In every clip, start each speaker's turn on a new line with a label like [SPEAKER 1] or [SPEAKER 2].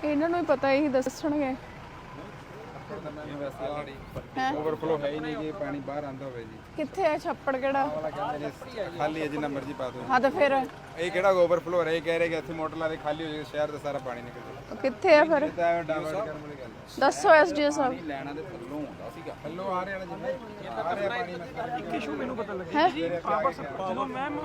[SPEAKER 1] ਇਹਨਾਂ ਨੂੰ ਹੀ ਪਤਾ, ਇਹੀ ਦੱਸਣਗੇ।
[SPEAKER 2] ओवरफ्लो है ही नहीं कि पानी बाहर आंदा होवे जी।
[SPEAKER 1] ਕਿੱਥੇ ਹੈ ਛੱਪੜ ਕਿਹੜਾ?
[SPEAKER 2] वाला कहंदे ने खाली है जिन्ना मर्जी पा दो।
[SPEAKER 1] ਹਾਂ ਤਾਂ ਫਿਰ
[SPEAKER 2] ਇਹ ਕਿਹੜਾ ਓਵਰਫਲੋ ਹੈ, ਇਹ ਕਹਿ ਰਹੇ ਕਿ ਇੱਥੇ ਮੋਟਰ ਲਾ ਦੇ ਖਾਲੀ ਹੋ ਜਾਏ, ਸ਼ਹਿਰ ਦਾ ਸਾਰਾ ਪਾਣੀ ਨਿਕਲ ਜਾਏ।
[SPEAKER 1] ਕਿੱਥੇ ਹੈ ਫਿਰ?
[SPEAKER 2] ਤਾਂ ਡਾਇਵਰਟ ਕਰਨ ਵਾਲੀ ਗੱਲ ਹੈ।
[SPEAKER 1] ਦੱਸੋ ਐਸਡੀਓ ਸਾਹਿਬ।
[SPEAKER 2] ਲੈਣਾ ਦੇ ਥੱਲੋਂ ਹੁੰਦਾ ਸੀਗਾ, ਥੱਲੋਂ ਆ ਰਿਹਾ ਜਿੰਨਾ ਆ ਰਿਹਾ ਪਾਣੀ। ਮੈਂ
[SPEAKER 3] ਇੱਕ ਇਸ਼ੂ ਮੈਨੂੰ ਪਤਾ ਲੱਗਿਆ ਜੀ, ਪਾਵਰ ਜਦੋਂ ਮੈਮ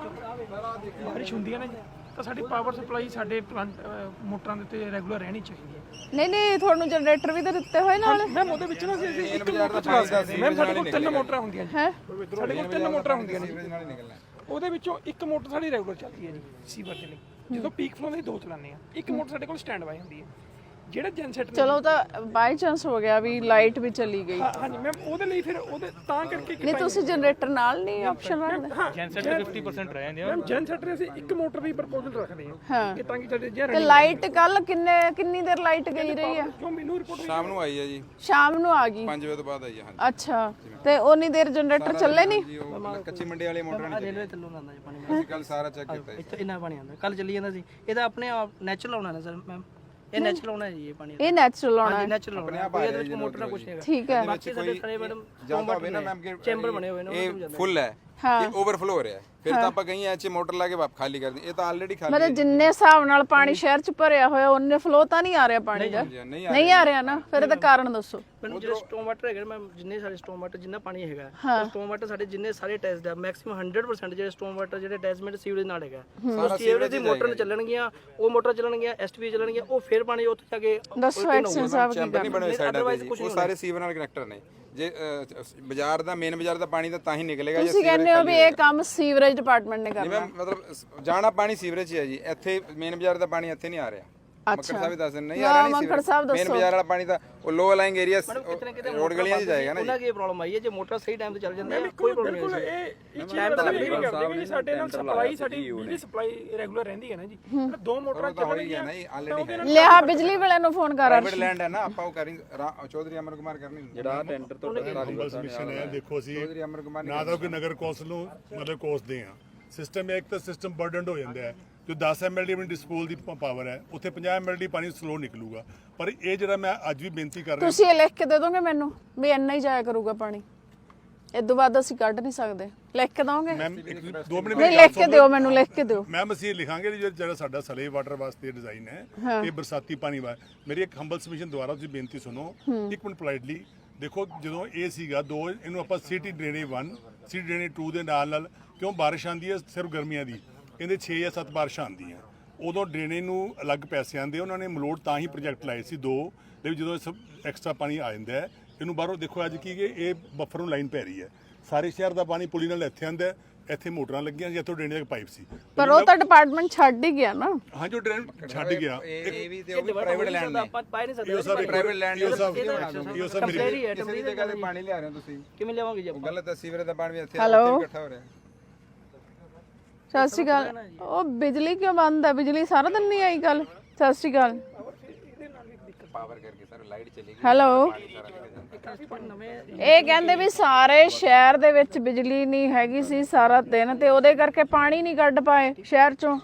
[SPEAKER 3] ਬਾਰਿਸ਼ ਹੁੰਦੀ ਹੈ ਨਾ ਜੀ, ਤਾਂ ਸਾਡੀ ਪਾਵਰ ਸਪਲਾਈ ਸਾਡੇ ਮੋਟਰਾਂ ਦੇ ਉੱਤੇ ਰੈਗੂਲਰ ਰਹਿਣੀ ਚਾਹੀਦੀ ਹੈ।
[SPEAKER 1] ਨਹੀਂ ਤੁਹਾਨੂੰ ਜਨਰੇਟਰ ਵੀ ਤਾਂ ਦਿੱਤੇ ਹੋਏ ਨਾਲ।
[SPEAKER 3] ਮੈਮ ਉਹਦੇ ਵਿੱਚ ਨਾ ਅਸੀਂ ਇੱਕ ਮੋਟਰ ਚਲਾ ਸਕਦੇ ਮੈਮ, ਸਾਡੇ ਕੋਲ 3 ਮੋਟਰਾਂ ਹੁੰਦੀਆਂ ਜੀ।
[SPEAKER 1] ਹੈ
[SPEAKER 3] ਸਾਡੇ ਕੋਲ 3 ਮੋਟਰਾਂ ਹੁੰਦੀਆਂ ਨੇ,
[SPEAKER 2] ਸੀਵਰੇਜ ਨਾਲ ਹੀ ਨਿਕਲਣਾ।
[SPEAKER 3] ਉਹਦੇ ਵਿੱਚੋਂ ਇੱਕ ਮੋਟਰ ਸਾਡੀ ਰੈਗੂਲਰ ਚੱਲਦੀ ਹੈ ਜੀ ਸੀਵਰ ਦੇ ਲਈ। ਜਦੋਂ ਪੀਕ ਫਲੋ ਦੇ 2 ਚਲਾਉਂਦੇ ਆ, ਇੱਕ ਮੋਟਰ ਸਾਡੇ ਕੋਲ ਸਟੈਂਡ ਬਾਈ ਹੁੰਦੀ ਹੈ। ਜਿਹੜਾ ਜਨਸੈਟ
[SPEAKER 1] ਚਲੋ ਤਾਂ ਬਾਈ ਚਾਂਸ ਹੋ ਗਿਆ ਵੀ ਲਾਈਟ ਵੀ ਚਲੀ ਗਈ।
[SPEAKER 3] ਹਾਂਜੀ ਮੈਮ, ਉਹਦੇ ਲਈ ਫਿਰ ਉਹਦੇ ਤਾਂ ਕਰਕੇ
[SPEAKER 1] ਨਹੀਂ ਤੁਸੀਂ ਜਨਰੇਟਰ ਨਾਲ ਨਹੀਂ ਆਪਸ਼ਨ ਰੱਖਦੇ?
[SPEAKER 3] ਜਨਸੈਟ 50% ਰਹਿ ਜਾਂਦੇ ਆ ਮੈਮ। ਜਨਸੈਟ ਅਸੀਂ ਇੱਕ ਮੋਟਰ ਦੀ ਪ੍ਰਪੋਜ਼ਲ ਰੱਖਦੇ
[SPEAKER 1] ਹਾਂ
[SPEAKER 3] ਕਿ ਤਾਂ ਕਿ ਸਾਡੇ ਜੇ
[SPEAKER 1] ਤੇ ਲਾਈਟ ਕੱਲ ਕਿੰਨੀ ਦੇਰ ਲਾਈਟ ਗਈ ਰਹੀ ਆ?
[SPEAKER 3] ਜੋ ਮੈਨੂੰ ਰਿਪੋਰਟ
[SPEAKER 2] ਸ਼ਾਮ ਨੂੰ ਆਈ ਹੈ ਜੀ,
[SPEAKER 1] ਸ਼ਾਮ ਨੂੰ ਆ ਗਈ।
[SPEAKER 2] 5 ਵਜੇ ਤੋਂ ਬਾਅਦ ਆਈ ਹੈ। ਹਾਂਜੀ
[SPEAKER 1] ਅੱਛਾ, ਤੇ ਉਨੀ ਦੇਰ ਜਨਰੇਟਰ ਚੱਲੇ ਨਹੀਂ?
[SPEAKER 2] ਜੀ, ਉਹ ਕੱਚੀ ਮੰਡੀ ਵਾਲੀ ਮੋਟਰ ਨਹੀਂ
[SPEAKER 4] ਰੇਲਵੇ ਥੱਲੋਂ ਆਉਂਦਾ ਜੀ ਪਾਣੀ।
[SPEAKER 2] ਅਸੀਂ ਕੱਲ ਸਾਰਾ ਚੈੱਕ ਕੀਤਾ ਜੀ।
[SPEAKER 4] ਇੱਥੇ ਇੰਨਾ ਪਾਣੀ ਆਉਂਦਾ, ਕੱਲ ਚੱਲੀ ਜਾਂਦਾ ਸੀ। ਇਹਦਾ ਆਪਣੇ ਆਪ ਨੈਚੁਰਲ ਆਉਣਾ ਨਾ ਸਰ ਮੈਮ, ਇਹ ਨੈਚੁਰਲ ਆਉਣਾ ਜੀ ਇਹ ਪਾਣੀ।
[SPEAKER 1] ਇਹ ਨੈਚੁਰਲ ਆਉਣਾ ਹੈ।
[SPEAKER 4] ਨੈਚੁਰਲ ਆਉਣਾ, ਕੋਈ ਇਹਦੇ ਵਿੱਚ ਮੋਟਰ ਨਾ ਕੁਛ ਨਹੀਂ ਹੈਗਾ।
[SPEAKER 1] ਠੀਕ ਹੈ।
[SPEAKER 4] ਬਾਕੀ ਸਾਡੇ ਸਾਰੇ ਮੈਡਮ
[SPEAKER 2] ਜਾਂਦਾ ਹੋਵੇ ਨਾ ਮੈਮ ਕਿ
[SPEAKER 4] ਚੈਂਬਰ ਬਣੇ ਹੋਏ ਨੇ,
[SPEAKER 2] ਇਹ ਫੁੱਲ ਹੈ, ਇਹ ਓਵਰਫਲੋ ਹੋ ਰਿਹਾ ਹੈ, ਫਿਰ ਤਾਂ ਆਪਾਂ ਕਹੀਂ ਐਚ ਮੋਟਰ ਲਾ ਕੇ ਵਾਪ ਖਾਲੀ ਕਰ ਦੀ। ਇਹ ਤਾਂ ਆਲਰੇਡੀ ਖਾਲੀ
[SPEAKER 1] ਮਤਲਬ ਜਿੰਨੇ ਹਿਸਾਬ ਨਾਲ ਪਾਣੀ ਸ਼ਹਿਰ ਚ ਭਰਿਆ ਹੋਇਆ ਉਹਨੇ ਫਲੋ ਤਾਂ ਨਹੀਂ ਆ ਰਿਹਾ ਪਾਣੀ ਦਾ? ਨਹੀਂ ਆ ਰਿਹਾ ਨਾ, ਫਿਰ ਇਹਦਾ ਕਾਰਨ ਦੱਸੋ।
[SPEAKER 4] ਮੈਨੂੰ ਜਿਹੜੇ ਸਟੋਮ ਵਾਟਰ ਹੈਗੇ ਮੈਮ, ਜਿੰਨੇ ਸਾਡੇ ਸਟੋਮ ਵਾਟਰ ਜਿੰਨਾ ਪਾਣੀ ਹੈਗਾ, ਸਟੋਮ ਵਾਟਰ ਸਾਡੇ ਜਿੰਨੇ ਸਾਰੇ ਟੈਸਟ ਆ, ਮੈਕਸਿਮਮ 100% ਜਿਹੜੇ ਸਟੋਮ ਵਾਟਰ ਜਿਹੜੇ ਅਟੈਚਮੈਂਟ ਸੀਵਰੇਜ ਨਾਲ ਹੈਗਾ। ਉਹ ਸੀਵਰੇਜ ਦੀ ਮੋਟਰ ਚੱਲਣਗੀਆਂ, ਉਹ ਮੋਟਰ ਚੱਲਣਗੀਆਂ, ਐਸਟੀਵੀ ਚੱਲਣਗੀਆਂ, ਉਹ ਫਿਰ ਪਾਣੀ ਉੱਥੇ ਜਾ ਕੇ
[SPEAKER 1] ਦੱਸੋ ਐਕਸ਼ਨ ਸਾਹਿਬ ਕੀ
[SPEAKER 2] ਚੈਂਬਰ ਨਹੀਂ ਬਣੇ ਹੋਏ ਸਾਈਡਾਂ ਤੇ ਜੀ, ਉਹ ਸਾਰੇ ਸੀਵਰ ਨਾਲ ਕਨੈਕਟਰ ਨੇ। ਜੇ ਬਾਜ਼ਾਰ ਦਾ ਮੇਨ ਬਾਜ਼ਾਰ ਦਾ ਪਾਣੀ ਤਾਂ ਹੀ ਨਿਕਲੇਗਾ ਜੇ
[SPEAKER 1] ਤੁਸੀਂ ਕਹਿੰਦੇ ਹੋ ਵੀ ਇਹ ਕੰਮ ਸੀਵਰੇਜ ਡਿਪਾਰਟਮੈਂਟ ਨੇ ਕਰਨਾ।
[SPEAKER 2] ਮਤਲਬ ਜਾਣਾ ਪਾਣੀ ਸੀਵਰੇਜ 'ਚ ਹੈ ਜੀ, ਇੱਥੇ ਮੇਨ ਬਾਜ਼ਾਰ ਦਾ ਪਾਣੀ ਇੱਥੇ ਨਹੀਂ ਆ ਰਿਹਾ। ਮੱਕੜ ਸਾਹਿਬ ਵੀ ਦੱਸ ਨਹੀਂ ਆ ਰਿਹਾ, ਨਹੀਂ
[SPEAKER 1] ਮੱਕੜ ਸਾਹਿਬ
[SPEAKER 2] ਮੇਨ ਬਾਜ਼ਾਰ ਵਾਲਾ ਪਾਣੀ ਤਾਂ ਉਹ ਲੋ ਲਾਈਂਗ ਏਰੀਆ ਰੋਡ ਗਲੀਆਂ 'ਚ ਜਾਏਗਾ ਨਾ।
[SPEAKER 4] ਉਹਨਾਂ ਕੀ ਪ੍ਰੋਬਲਮ ਆਈ ਹੈ, ਜੇ ਮੋਟਰ ਸਹੀ ਟਾਈਮ ਤੇ ਚੱਲ ਜਾਂਦੀ ਹੈ ਕੋਈ ਪ੍ਰੋਬਲਮ ਨਹੀਂ ਹੈ।
[SPEAKER 3] ਇਹ ਟਾਈਮ ਤਾਂ ਲੱਗੇਗਾ ਜੀ। ਸਾਡੇ ਨਾਲ ਸਪਲਾਈ, ਸਾਡੀ ਬਿਜਲੀ ਸਪਲਾਈ ਰੈਗੂਲਰ ਰਹਿੰਦੀ ਹੈ ਨਾ ਜੀ। 2 ਮੋਟਰਾਂ ਚੱਲਣਗੀਆਂ
[SPEAKER 2] ਨਹੀਂ ਆਲਰੇਡੀ ਹੈ।
[SPEAKER 1] ਲਿਆ ਬਿਜਲੀ ਵਾਲਿਆਂ ਨੂੰ ਫੋਨ ਕਰ।
[SPEAKER 2] ਪ੍ਰਾਈਵੇਟ ਲੈਂਡ ਹੈ ਨਾ, ਆਪਾਂ ਉਹ ਕਰੀ ਚੌਧਰੀ ਅਮਰ ਕੁਮਾਰ ਕਰਨੀ ਜਿਹੜਾ ਟੈਂਡਰ ਤੋਂ
[SPEAKER 5] ਮਿਸ਼ਨ ਹੈ। ਦੇਖੋ ਅਸੀਂ
[SPEAKER 2] ਚੌਧਰੀ ਅਮਰ ਕੁਮਾਰ
[SPEAKER 5] ਨਾ ਤਾਂ ਕਿ ਨਗਰ ਕੌਂਸਲ ਨੂੰ ਮਤਲਬ ਕੋਸਦੇ ਆ। ਸਿਸਟਮ ਇੱਕ ਤਾਂ ਸਿਸਟਮ ਬਰਡਨਡ ਹੋ ਜਾਂਦਾ ਹੈ। ਜੋ 10 MLD ਆਪਣੀ ਡਿਸਪੋਜ਼ਲ ਦੀ ਪਾਵਰ ਹੈ, ਉੱਥੇ 50 MLD ਪਾਣੀ ਸਲੋ ਨਿਕਲੂਗਾ। ਪਰ ਇਹ ਜਿਹੜਾ ਮੈਂ ਅੱਜ ਵੀ ਬੇਨਤੀ ਕਰ ਰਿਹਾ,
[SPEAKER 1] ਤੁਸੀਂ ਇਹ ਲਿਖ ਕੇ ਦੇ ਦੋਗੇ ਮੈਨੂੰ ਵੀ ਇੰਨਾ ਹੀ ਜਾਇਆ ਕਰੂਗਾ ਪਾਣੀ, ਇਦੋਂ ਬਾਅਦ ਅਸੀਂ ਕੱਢ ਨਹੀਂ ਸਕਦੇ? ਲਿਖ ਕੇ ਦੋਗੇ?
[SPEAKER 5] ਮੈਮ 2 ਮਿੰਟ
[SPEAKER 1] ਨਹੀਂ ਲਿਖ ਕੇ ਦਿਓ, ਮੈਨੂੰ ਲਿਖ ਕੇ ਦਿਓ।
[SPEAKER 5] ਮੈਮ ਅਸੀਂ ਲਿਖਾਂਗੇ ਜਿਹੜਾ ਸਾਡਾ ਸਲੇ ਵਾਟਰ ਵਾਸਤੇ ਡਿਜ਼ਾਈਨ ਹੈ, ਇਹ ਬਰਸਾਤੀ ਪਾਣੀ ਵਾ। ਮੇਰੀ ਇੱਕ ਹੰਬਲ ਸਬਮਿਸ਼ਨ ਦੁਆਰਾ ਤੁਸੀਂ ਬੇਨਤੀ ਸੁਣੋ ਇੱਕ ਮਿੰਟ ਪੋਲਾਈਟਲੀ। ਦੇਖੋ ਜਦੋਂ ਇਹ ਸੀਗਾ 2, ਇਹਨੂੰ ਆਪਾਂ ਸਿਟੀ ਡਰੇਨੇਜ 1 ਸਿਟੀ ਡਰੇਨੇਜ 2 ਦੇ ਨਾਲ ਕਿਉਂ ਬਾਰਿਸ਼ ਆਉਂਦੀ ਹੈ ਸਿਰਫ ਗਰਮੀਆਂ ਦੀ, ਇਹਦੇ 6 ਜਾਂ 7 ਬਾਰਿਸ਼ਾਂ ਆਉਂਦੀਆਂ, ਉਦੋਂ ਡਰੇਨੇਜ ਨੂੰ ਅਲੱਗ ਪੈਸੇ ਆਉਂਦੇ। ਉਹਨਾਂ ਨੇ ਮਲੋਟ ਤਾਂ ਹੀ ਪ੍ਰੋਜੈਕਟ ਲਾਏ ਸੀ 2 ਦੇ, ਜਦੋਂ ਇਹ ਐਕਸਟਰਾ ਪਾਣੀ ਆ ਜਾਂਦਾ ਹੈ ਇਹਨੂੰ ਬਾਹਰੋਂ ਦੇਖੋ ਅੱਜ ਕੀ ਕਿ ਇਹ ਬਫਰ ਨੂੰ ਲਾਈਨ ਪੈ ਰਹੀ ਹੈ। ਸਾਰੇ ਸ਼ਹਿਰ ਦਾ ਪਾਣੀ ਪੁਲੀ ਨਾਲ ਇੱਥੇ ਆਉਂਦਾ, ਇੱਥੇ ਮੋਟਰਾਂ ਲੱਗੀਆਂ ਸੀ, ਇੱਥੋਂ ਡਰੇਨੇਜ ਪਾਈਪ ਸੀ।
[SPEAKER 1] ਪਰ ਉਹ ਤਾਂ ਡਿਪਾਰਟਮੈਂਟ ਛੱਡ ਹੀ ਗਿਆ ਨਾ।
[SPEAKER 5] ਹਾਂ ਜੋ ਡਰੇਨ ਛੱਡ ਗਿਆ,
[SPEAKER 2] ਇਹ ਵੀ ਤੇ ਉਹ ਵੀ ਪ੍ਰਾਈਵੇਟ ਲੈਂਡ ਨੇ।
[SPEAKER 4] ਆਪਾਂ ਪਾਈ ਨਹੀਂ ਸਕਦੇ।
[SPEAKER 5] ਇਹ ਸਭ
[SPEAKER 2] ਪ੍ਰਾਈਵੇਟ ਲੈਂਡ
[SPEAKER 5] ਇਹ ਸਭ ਮੇਰੀ
[SPEAKER 2] ਕਿਸੇ ਦੀ ਜਗ੍ਹਾ ਤੇ ਪਾਣੀ ਲਿਆ ਰਹੇ ਹੋ ਤੁਸੀਂ,
[SPEAKER 4] ਕਿਵੇਂ ਲਿਆਵਾਂਗੇ ਜੀ
[SPEAKER 2] ਉਹ ਗਲਤ ਹੈ। ਸੀਵਰੇਜ ਦਾ ਪਾਣੀ ਵੀ ਇੱਥੇ ਇਕੱਠਾ ਹੋ ਰਿਹਾ।
[SPEAKER 1] ਸਤਿ ਸ਼੍ਰੀ ਅਕਾਲ। ਉਹ ਬਿਜਲੀ ਕਿਉਂ ਬੰਦ ਹੈ? ਬਿਜਲੀ ਸਾਰਾ ਦਿਨ ਨਹੀਂ ਆਈ ਕੱਲ? ਸਤਿ ਸ਼੍ਰੀ ਅਕਾਲ।
[SPEAKER 2] ਪਾਵਰ ਕਰਕੇ ਸਰ ਲਾਈਟ ਚਲੀ ਗਈ।
[SPEAKER 1] ਹੈਲੋ, ਇਹ ਕਹਿੰਦੇ ਵੀ ਸਾਰੇ ਸ਼ਹਿਰ ਦੇ ਵਿੱਚ ਬਿਜਲੀ ਨਹੀਂ ਹੈਗੀ ਸੀ ਸਾਰਾ ਦਿਨ, ਤੇ ਉਹਦੇ ਕਰਕੇ ਪਾਣੀ ਨਹੀਂ ਕੱਢ ਪਾਏ ਸ਼ਹਿਰ ਚੋਂ।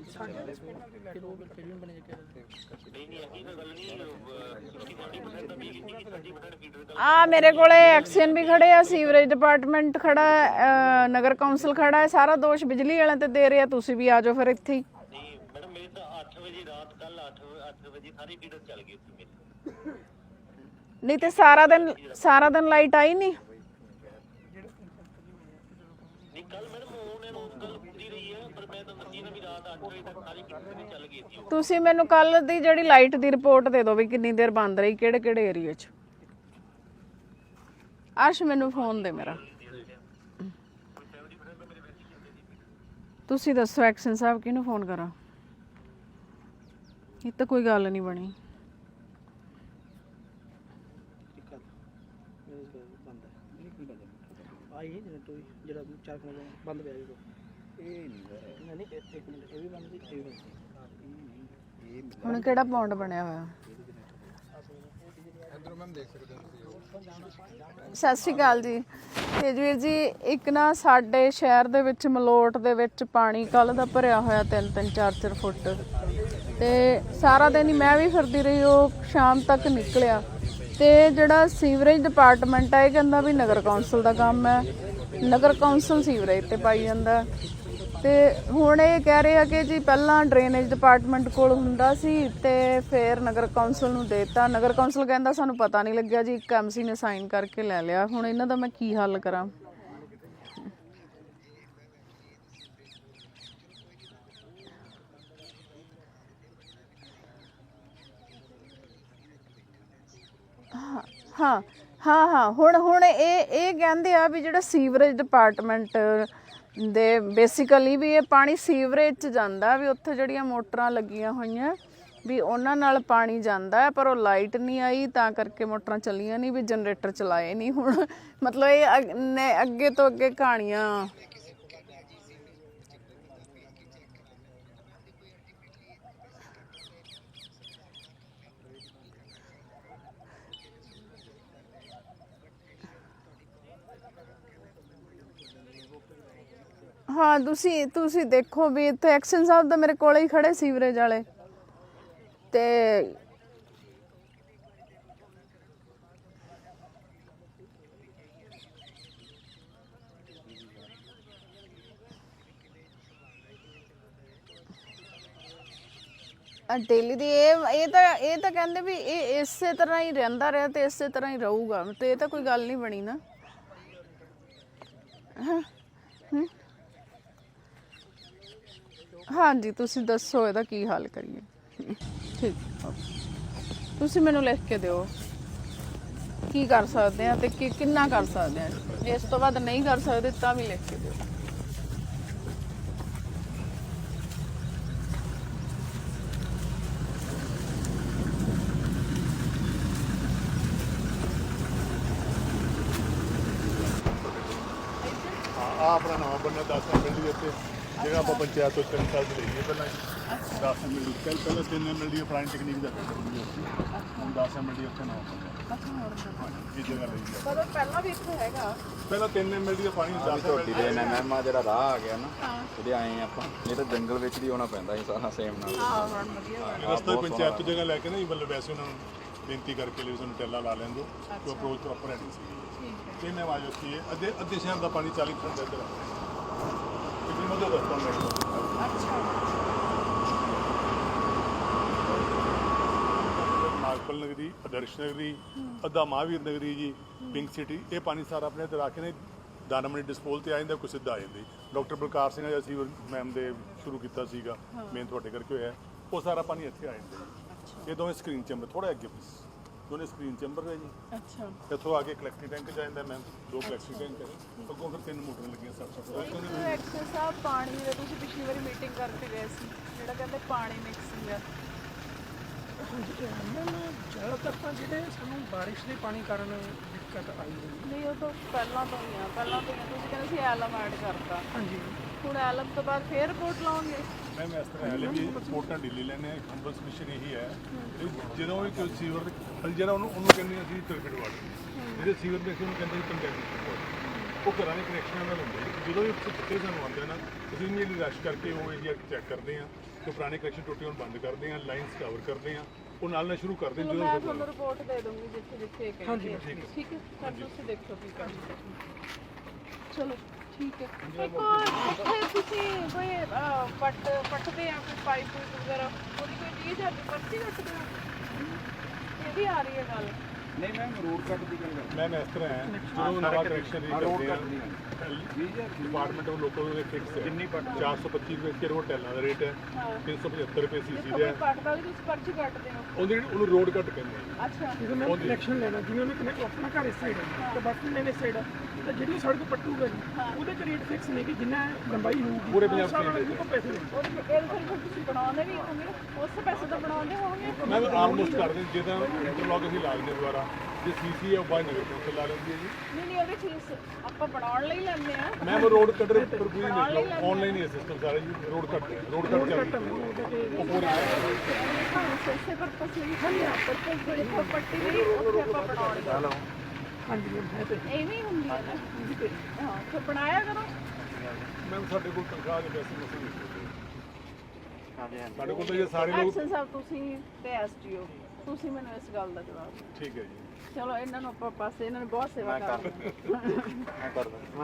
[SPEAKER 1] ਆ ਮੇਰੇ ਕੋਲੇ ਐਕਸ਼ਨ ਵੀ ਖੜੇ ਆ, ਸੀਵਰੇਜ ਡਿਪਾਰਟਮੈਂਟ ਖੜਾ ਹੈ, ਨਗਰ ਕੌਂਸਲ ਖੜਾ ਹੈ, ਸਾਰਾ ਦੋਸ਼ ਬਿਜਲੀ ਵਾਲਿਆਂ ਤੇ ਦੇ ਰਿਹਾ। ਤੁਸੀਂ ਵੀ ਆ ਜਾਓ ਫਿਰ ਇੱਥੇ ਹੀ।
[SPEAKER 6] ਮੈਡਮ ਮੇਰੇ ਤਾਂ 8 ਵਜੇ ਰਾਤ ਕੱਲ 8 ਵਜੇ ਸਾਰੀ ਫੀਡਰ ਚੱਲ ਗਈ ਸੀ ਮੇਰੀ।
[SPEAKER 1] ਨਹੀਂ ਤੇ ਸਾਰਾ ਦਿਨ ਲਾਈਟ ਆਈ ਨਹੀਂ?
[SPEAKER 6] ਨਹੀਂ ਕੱਲ ਮੈਡਮ ਉਹਨਾਂ ਨੂੰ ਕੱਲ ਪੂਰੀ ਰਹੀ ਹੈ, ਪਰ ਮੈਂ ਤਾਂ ਦੱਸੀ ਨਾ ਵੀ ਰਾਤ 8 ਵਜੇ ਤੱਕ ਸਾਰੀ ਫੀਡਰ ਚੱਲ ਗਈ ਸੀ।
[SPEAKER 1] ਤੁਸੀਂ ਮੈਨੂੰ ਕੱਲ ਦੀ ਜਿਹੜੀ ਲਾਈਟ ਦੀ ਰਿਪੋਰਟ ਦੇ ਦਿਓ ਵੀ ਕਿੰਨੀ ਦੇਰ ਬੰਦ ਰਹੀ, ਕਿਹੜੇ ਏਰੀਆ 'ਚ। ਅਰਸ਼ ਮੈਨੂੰ ਫੋਨ ਦੇ ਮੇਰਾ। ਤੁਸੀਂ ਦੱਸੋ ਐਕਸ਼ਨ ਸਾਹਿਬ ਕਿਹਨੂੰ ਫੋਨ ਕਰਾਂ? ਇਹ ਤਾਂ ਕੋਈ ਗੱਲ ਨਹੀਂ ਬਣੀ।
[SPEAKER 4] ਆਈ ਜਿਹੜਾ 4 ਮਿੰਟ ਬੰਦ ਪਿਆ ਜੀ, ਇਹ ਨਹੀਂ ਇੱਕ ਮਿੰਟ ਇਹ ਵੀ ਬੰਦ ਸੀ, ਇਹ ਵੀ ਬੰਦ ਸੀ।
[SPEAKER 1] ਹੁਣ ਕਿਹੜਾ ਪੌਂਡ ਬਣਿਆ ਹੋਇਆ?
[SPEAKER 2] ਇਧਰੋਂ ਮੈਮ ਦੇਖ ਸਕਦੇ ਹੋ ਤੁਸੀਂ।
[SPEAKER 1] ਸਤਿ ਸ਼੍ਰੀ ਅਕਾਲ ਜੀ। ਤੇਜਵੀਰ ਜੀ, ਇੱਕ ਨਾ ਸਾਡੇ ਸ਼ਹਿਰ ਦੇ ਵਿੱਚ ਮਲੋਟ ਦੇ ਵਿੱਚ ਪਾਣੀ ਕੱਲ ਦਾ ਭਰਿਆ ਹੋਇਆ 3-3 4-4 ਫੁੱਟ। ਤੇ ਸਾਰਾ ਦਿਨ ਹੀ ਮੈਂ ਵੀ ਫਿਰਦੀ ਰਹੀ, ਉਹ ਸ਼ਾਮ ਤੱਕ ਨਿਕਲਿਆ। ਤੇ ਜਿਹੜਾ ਸੀਵਰੇਜ ਡਿਪਾਰਟਮੈਂਟ ਹੈ ਇਹ ਕਹਿੰਦਾ ਵੀ ਨਗਰ ਕੌਂਸਲ ਦਾ ਕੰਮ ਹੈ, ਨਗਰ ਕੌਂਸਲ ਸੀਵਰੇਜ ਤੇ ਪਾਈ ਜਾਂਦਾ। ਤੇ ਹੁਣ ਇਹ ਕਹਿ ਰਹੇ ਆ ਕਿ ਜੀ ਪਹਿਲਾਂ ਡਰੇਨੇਜ ਡਿਪਾਰਟਮੈਂਟ ਕੋਲ ਹੁੰਦਾ ਸੀ ਤੇ ਫਿਰ ਨਗਰ ਕੌਂਸਲ ਨੂੰ ਦੇਤਾ। ਨਗਰ ਕੌਂਸਲ ਕਹਿੰਦਾ ਸਾਨੂੰ ਪਤਾ ਨਹੀਂ ਲੱਗਿਆ ਜੀ, ਇੱਕ ਐਮਸੀ ਨੇ ਸਾਈਨ ਕਰਕੇ ਲੈ ਲਿਆ। ਹੁਣ ਇਹਨਾਂ ਦਾ ਮੈਂ ਕੀ ਹੱਲ ਕਰਾਂ? ਹਾਂ ਹੁਣ ਇਹ ਕਹਿੰਦੇ ਆ ਵੀ ਜਿਹੜਾ ਸੀਵਰੇਜ ਡਿਪਾਰਟਮੈਂਟ ਦੇ ਬੇਸਿਕਲੀ ਵੀ ਇਹ ਪਾਣੀ ਸੀਵਰੇਜ 'ਚ ਜਾਂਦਾ, ਵੀ ਉੱਥੇ ਜਿਹੜੀਆਂ ਮੋਟਰਾਂ ਲੱਗੀਆਂ ਹੋਈਆਂ ਵੀ ਉਹਨਾਂ ਨਾਲ ਪਾਣੀ ਜਾਂਦਾ ਹੈ, ਪਰ ਉਹ ਲਾਈਟ ਨਹੀਂ ਆਈ ਤਾਂ ਕਰਕੇ ਮੋਟਰਾਂ ਚੱਲੀਆਂ ਨਹੀਂ, ਵੀ ਜਨਰੇਟਰ ਚਲਾਏ ਨਹੀਂ। ਹੁਣ ਮਤਲਬ ਇਹ ਅੱਗੇ ਤੋਂ ਅੱਗੇ ਕਹਾਣੀਆਂ। ਹਾਂ ਤੁਸੀਂ ਦੇਖੋ ਵੀ ਇੱਥੇ ਐਕਸ਼ਨ ਸਾਹਿਬ ਦਾ ਮੇਰੇ ਕੋਲੇ ਹੀ ਖੜੇ ਸੀਵਰੇਜ ਵਾਲੇ ਤੇ ਡੇਲੀ ਦੀ ਇਹ ਤਾਂ ਕਹਿੰਦੇ ਵੀ ਇਹ ਇਸੇ ਤਰ੍ਹਾਂ ਹੀ ਰਹਿੰਦਾ ਰਿਹਾ ਤੇ ਇਸੇ ਤਰ੍ਹਾਂ ਹੀ ਰਹੂਗਾ, ਤੇ ਇਹ ਤਾਂ ਕੋਈ ਗੱਲ ਨਹੀਂ ਬਣੀ ਨਾ। ਹਾਂਜੀ ਤੁਸੀਂ ਦੱਸੋ ਇਹਦਾ ਕੀ ਹੱਲ ਕਰੀਏ? ਠੀਕ, ਤੁਸੀਂ ਮੈਨੂੰ ਲਿਖ ਕੇ ਦਿਓ ਕੀ ਕਰ ਸਕਦੇ ਆ ਤੇ ਕਿੰਨਾ ਕਰ ਸਕਦੇ ਆ। ਇਸ ਤੋਂ ਬਾਅਦ ਨਹੀਂ ਕਰ ਸਕਦੇ ਤਾਂ ਵੀ ਲਿਖ ਕੇ ਦਿਓ।
[SPEAKER 5] ਆਪਣਾ ਨਵਾਂ ਬਣਿਆ 10 ML ਦੀ ਇੱਥੇ ਜਿਹੜਾ ਆਪਾਂ ਪੰਚਾਇਤ ਤੋਂ 3 ਸਾਲ ਦੀ ਲਈਏ ਪਹਿਲਾਂ 10 ML ਪਹਿਲਾਂ 3 ML ਦੀ ਪੁਰਾਣੀ ਟੈਕਨੀਕ ਦਾ ਹੁਣ 10 ML ਦੀ ਉੱਥੇ ਨਾ ਇਹ ਜਗ੍ਹਾ ਲਈ ਹੈ।
[SPEAKER 1] ਪਰ ਪਹਿਲਾਂ ਵੀ ਇੱਥੇ ਹੈਗਾ,
[SPEAKER 5] ਪਹਿਲਾਂ 3 ML ਦੀ ਪਾਣੀ 10 ML
[SPEAKER 2] ਦੇ ਐਮਐਮ ਆ ਜਿਹੜਾ ਰਾਹ ਆ ਗਿਆ ਨਾ, ਜਿਹੜੇ ਆਏ ਆਪਾਂ ਇਹ ਤਾਂ ਜੰਗਲ ਵਿੱਚ ਦੀ ਆਉਣਾ ਪੈਂਦਾ ਸੀ ਸਾਰਾ ਸੇਮ ਨਾਲ।
[SPEAKER 1] ਹਾਂ ਹੁਣ ਵਧੀਆ
[SPEAKER 5] ਰਸਤਾ ਪੰਚਾਇਤ ਤੋਂ ਜਗ੍ਹਾ ਲੈ ਕੇ ਨਾ ਮਤਲਬ ਵੈਸੇ ਉਹਨਾਂ ਨੂੰ ਬੇਨਤੀ ਕਰਕੇ ਲਈ ਸਾਨੂੰ ਟੈਲਾ ਲਾ ਲੈਣ ਦਿਓ ਕਿ ਅਪਰੋਚ ਪ੍ਰੋਪਰ ਹੈ ਨਹੀਂ ਸੀ। ਕਿੰਨੇ ਆਵਾਜ਼ ਉੱਠੀ ਹੈ ਅੱਧੇ ਸ਼ਹਿਰ ਦਾ ਪਾਣੀ 40% ਇੱਧਰ ਆ ਕਿੰਨੀ ਮਦਦ ਦੱਸਦਾ ਮੈਂ।
[SPEAKER 1] ਅੱਛਾ
[SPEAKER 5] ਨਾਗਪਲ ਨਗਰੀ, ਆਦਰਸ਼ ਨਗਰੀ, ਅੱਧਾ ਮਹਾਵੀਰ ਨਗਰੀ ਜੀ, ਪਿੰਕ ਸਿਟੀ, ਇਹ ਪਾਣੀ ਸਾਰਾ ਆਪਣੇ ਇੱਧਰ ਆ ਕੇ ਨੇ ਦਾਨਾਮਣੀ ਡਿਸਪੋਲ ਤੇ ਆ ਜਾਂਦਾ, ਕੋਈ ਸਿੱਧਾ ਆ ਜਾਂਦੀ। ਡਾਕਟਰ ਬਲਕਾਰ ਸਿੰਘ ਨੇ ਅਸੀਂ ਮੈਮ ਦੇ ਸ਼ੁਰੂ ਕੀਤਾ ਸੀਗਾ, ਮੇਨ ਤੁਹਾਡੇ ਕਰਕੇ ਹੋਇਆ, ਉਹ ਸਾਰਾ ਪਾਣੀ ਇੱਥੇ ਆ ਜਾਂਦਾ। ਇਹ ਦੋਵੇਂ ਸਕਰੀਨ ਚੈਂਬਰ ਥੋੜਾ ਅੱਗੇ ਬਸ ਦੋਨੇ ਸਕਰੀਨ ਚੈਂਬਰ ਹੈ ਜੀ।
[SPEAKER 1] ਅੱਛਾ
[SPEAKER 5] ਇੱਥੋਂ ਆ ਕੇ ਕਲੈਕਟਿੰਗ ਟੈਂਕ ਜਾਂਦਾ ਮੈਮ, 2 ਕਲੈਕਟਿੰਗ ਟੈਂਕ ਹੈ, ਅੱਗੋਂ ਫਿਰ 3 ਮੋਟਰਾਂ ਲੱਗੀਆਂ ਸਭ
[SPEAKER 1] ਐਕਸ਼ਨ ਸਾਹਿਬ ਪਾਣੀ ਦੇ ਤੁਸੀਂ ਪਿਛਲੀ ਵਾਰੀ ਮੀਟਿੰਗ ਕਰਕੇ ਗਏ ਸੀ, ਜਿਹੜਾ ਕਹਿੰਦੇ ਪਾਣੀ ਮਿਕਸਿੰਗ ਆ।
[SPEAKER 3] ਜ਼ਿਆਦਾਤਰ ਤਾਂ ਜਿਹੜੇ ਸਾਨੂੰ ਬਾਰਿਸ਼ ਦੇ ਪਾਣੀ ਕਾਰਨ ਦਿੱਕਤ ਆਈ ਹੋਈ।
[SPEAKER 1] ਨਹੀਂ ਉਹ ਤਾਂ ਪਹਿਲਾਂ ਤੋਂ ਹੀ ਆ ਤੁਸੀਂ ਕਹਿੰਦੇ ਸੀ ਐਲਮ ਐਡ ਕਰਤਾ।
[SPEAKER 3] ਹਾਂਜੀ
[SPEAKER 1] ਹੁਣ ਐਲਮ ਤੋਂ ਬਾਅਦ ਫੇਰ ਰਿਪੋਰਟ ਲਾਉਂਗੇ।
[SPEAKER 5] ਮੈਮ ਇਸ ਤਰ੍ਹਾਂ ਹੈ ਵੀ ਰਿਪੋਰਟਾਂ ਢਿੱਲੀ ਲੈਣੇ ਹੰਬਲ ਸਬਮਿਸ਼ਨ ਇਹੀ ਹੈ ਜਦੋਂ ਵੀ ਕੋਈ ਸੀਵਰ ਜਿਹੜਾ ਉਹਨੂੰ ਕਹਿੰਦੇ ਅਸੀਂ ਟਰਬਿਡ ਵਾਟਰ, ਜਿਹੜੇ ਸੀਵਰ ਦੇ ਉਹਨੂੰ ਕਹਿੰਦੇ ਕੰਟੈਕਟ ਵਾਟਰ, ਉਹ ਘਰਾਂ ਦੇ ਕਨੈਕਸ਼ਨਾਂ ਨਾਲ ਹੁੰਦੇ। ਜਦੋਂ ਵੀ ਕਿਤੇ ਸਾਨੂੰ ਆਉਂਦੇ ਨਾ ਅਸੀਂ ਇਮੀਡੀਏਟਲੀ ਰਸ਼ ਕਰਕੇ ਉਹ ਏਰੀਆ ਚੈੱਕ ਕਰਦੇ ਹਾਂ ਕਿ ਪੁਰਾਣੇ ਕਨੈਕਸ਼ਨ ਟੁੱਟੇ ਹੋਣ ਬੰਦ ਕਰਦੇ ਹਾਂ, ਲਾਈਨਸ ਕਵਰ ਕਰਦੇ ਹਾਂ, ਉਹ ਨਾਲ ਸ਼ੁਰੂ ਕਰਦੇ ਹਾਂ।
[SPEAKER 1] ਮੈਂ ਤੁਹਾਨੂੰ ਰਿਪੋਰਟ ਦੇ ਦੂੰਗੀ ਜਿੱਥੇ
[SPEAKER 3] ਹਾਂਜੀ
[SPEAKER 1] ਠੀਕ ਹੈ ਸਰ, ਤੁਸੀਂ ਦੇਖੋ ਕੀ ਕਰਨਾ। ਚਲੋ ਠੀਕ ਹੈ। ਇੱਕ ਇੱਥੇ ਤੁਸੀਂ ਕੋਈ ਪੱਟਦੇ ਆ ਕੋਈ ਪਾਈਪ ਵਗੈਰਾ, ਉਹਦੀ ਕੋਈ ਚੀਜ਼ ਹੈ ਪਰਚੀ ਕੱਟਦੇ ਹੋ? ਇਹ ਵੀ ਆ ਰਹੀ ਹੈ ਗੱਲ।
[SPEAKER 2] ਨਹੀਂ ਮੈਮ ਰੋਡ ਕੱਟ ਦੀ ਗੱਲ
[SPEAKER 5] ਮੈਮ ਇਸ ਤਰ੍ਹਾਂ ਹੈ ਜਦੋਂ ਨਵਾਂ ਕਨੈਕਸ਼ਨ ਕਰਦੇ ਆ ਡਿਪਾਰਟਮੈਂਟ ਉਹ ਲੋਕਾਂ ਦੇ ਫਿਕਸ ਹੈ 425 ਰੁਪਏ ਕਿਲੋ ਟੈਲਾਂ ਦਾ ਰੇਟ ਹੈ, 375 ਰੁਪਏ ਸੀਸੀ ਦਾ ਹੈ।
[SPEAKER 1] ਪੱਟਦਾ ਵੀ ਤੁਸੀਂ ਪਰਚੀ ਕੱਟਦੇ ਹੋ?
[SPEAKER 5] ਉਹਨੂੰ ਰੋਡ ਕੱਟ ਕਹਿੰਦੇ ਆ।
[SPEAKER 1] ਅੱਛਾ
[SPEAKER 3] ਜਦੋਂ ਮੈਂ ਕਨੈਕਸ਼ਨ ਲੈਣਾ ਜਿਵੇਂ ਉਹਨੇ ਆਪਣਾ ਘਰ ਇਸ ਸਾਈਡ ਹੈ ਤੇ ਬਾਕੀ ਮੈਨੇ ਇਸ ਸਾਈਡ ਹੈ, ਤਾਂ ਜਿਹੜੀ ਸੜਕ ਪੱਟੂਗਾ ਜੀ ਉਹਦੇ ਚ ਰੇਟ ਫਿਕਸ ਨਹੀਂ ਕਿ ਜਿੰਨਾ ਲੰਬਾਈ ਹੋਊਗੀ
[SPEAKER 5] ਪੂਰੇ ਪੰਜਾਬ
[SPEAKER 3] ਉਹ ਪੈਸੇ ਦੇਣਗੇ।
[SPEAKER 1] ਉਹਦੇ ਫਿਰ ਤੁਸੀਂ ਬਣਾਉਂਦੇ ਵੀ ਹੋਵੋਗੇ, ਉਸ ਪੈਸੇ ਤਾਂ ਬਣਾਉਂਦੇ ਹੋਵੋਗੇ।
[SPEAKER 5] ਮੈਂ ਆਲਮੋਸਟ ਕਰਦੇ ਜਿੱਦਾਂ ਇੰਟਰਲੌਕ ਅਸੀਂ ਲਾ ਦਿੰਦੇ ਦੁਬਾਰਾ, ਜੇ ਸੀਸੀ ਹੈ ਉਹ ਬਾਈ ਨਗਰ ਕੌਂਸਲ ਲਾ ਲੈਂਦੀ ਹੈ ਜੀ।
[SPEAKER 1] ਨਹੀਂ ਉਹਦੇ ਚੀਜ਼ ਆਪਾਂ ਬਣਾਉਣ ਲਈ ਲੈਂਦੇ ਆ।
[SPEAKER 5] ਮੈਂ ਉਹ ਰੋਡ ਕੱਟ ਪਰ ਕੋਈ ਨਹੀਂ ਲਓ ਆਨਲਾਈਨ ਹੀ ਸਿਸਟਮ ਸਾਰਾ ਜੀ। ਰੋਡ ਕੱਟ ਚੱਲਦਾ ਉਹ ਪੂਰੇ
[SPEAKER 1] ਸੈਸੇ ਪਰ ਪਸਲੀ ਪਰ ਕੋਈ ਪੱਟੀ ਨਹੀਂ ਉੱਥੇ ਆਪਾਂ ਬਣਾਉਣੀ ਆ।
[SPEAKER 3] ਹਾਂਜੀ ਮੈਮ ਹੈ ਤੇ
[SPEAKER 1] ਐਵੇਂ ਹੁੰਦੀ ਹੈ ਨਾ। ਹਾਂ ਫਿਰ ਬਣਾਇਆ ਕਰੋ।
[SPEAKER 5] ਮੈਂ ਸਾਡੇ ਕੋਲ ਤਨਖਾਹ ਦੇ ਪੈਸੇ ਮਸੂਲ ਨਹੀਂ ਸਾਡੇ ਕੋਲ ਤਾਂ ਇਹ ਸਾਰੇ ਲੋਕ
[SPEAKER 1] ਐਕਸ਼ਨ ਸਾਹਿਬ ਤੁਸੀਂ ਤੇ ਐਸਟੀਓ ਤੁਸੀਂ ਮੈਨੂੰ ਇਸ ਗੱਲ ਦਾ ਜਵਾਬ ਦਿਓ।
[SPEAKER 5] ਠੀਕ ਹੈ ਜੀ
[SPEAKER 1] ਚਲੋ ਇਹਨਾਂ ਨੂੰ ਆਪਾਂ ਪਾਸੇ ਇਹਨਾਂ ਨੇ ਬਹੁਤ ਸੇਵਾ ਕਰ